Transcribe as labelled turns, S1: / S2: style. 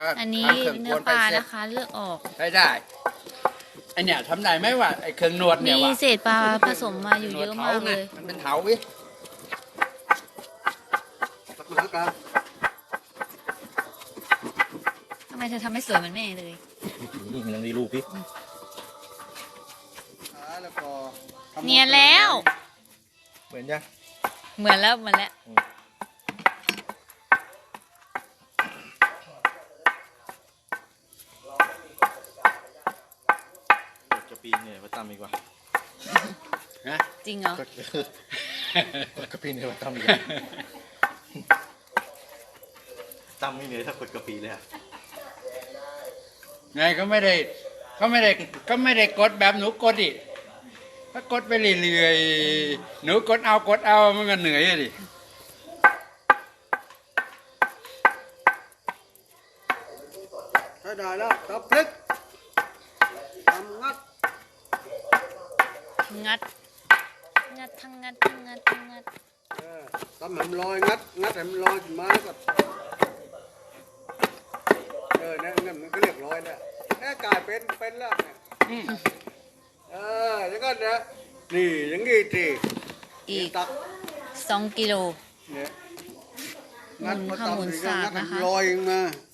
S1: อันนี้เนื้อปลานะคะเลือกออก
S2: ใช้ได้ไอเนี่ยทำได้ไหมว่าไอเครื่องนวดเนี่ย
S1: มี
S2: ว่า
S1: เศษปลาผสมมาอยู่เยอะมากเลย
S2: มันเป็นเถาวิ
S1: ทำไมเธอทำให้สวยเหมือนแม่เลย
S3: นี่มันยังมีรูปพี่
S1: เนียนแล้ว
S3: เหมือนยัง
S1: เหมือนแล้ว
S3: จะปีนเนี่ยมาตั้มดีกว่า
S2: นะ
S1: จริงเหรอ
S3: กระปีเนี่ยมาตั้มดีกตั้มไม่เหนื่อยถ้ากดกระปีเลยอะ
S2: ไงก็ไม่ได้กดแบบหนูกดดิถ้ากดไปเรื่อยๆหนูกดเอามันก็เหนื่อยดิ
S4: ใช้ได้แล้วตับพลิกทำงัด
S1: ทั้งงัด
S4: ทำให้มันลอยงัดให้มันลอยขึ้นมาแล้วก็เนี่ยมันก็เรียบร้อยแล้วเนี่ยกลายเป็นแล้วเนี่ยอย่างนั้นนะนี่อย่างงี้สิ
S1: อีก
S4: ตัก
S1: 2 กิโล
S4: เนี่ย
S1: หมุนสากนะคะ
S4: ลอยมา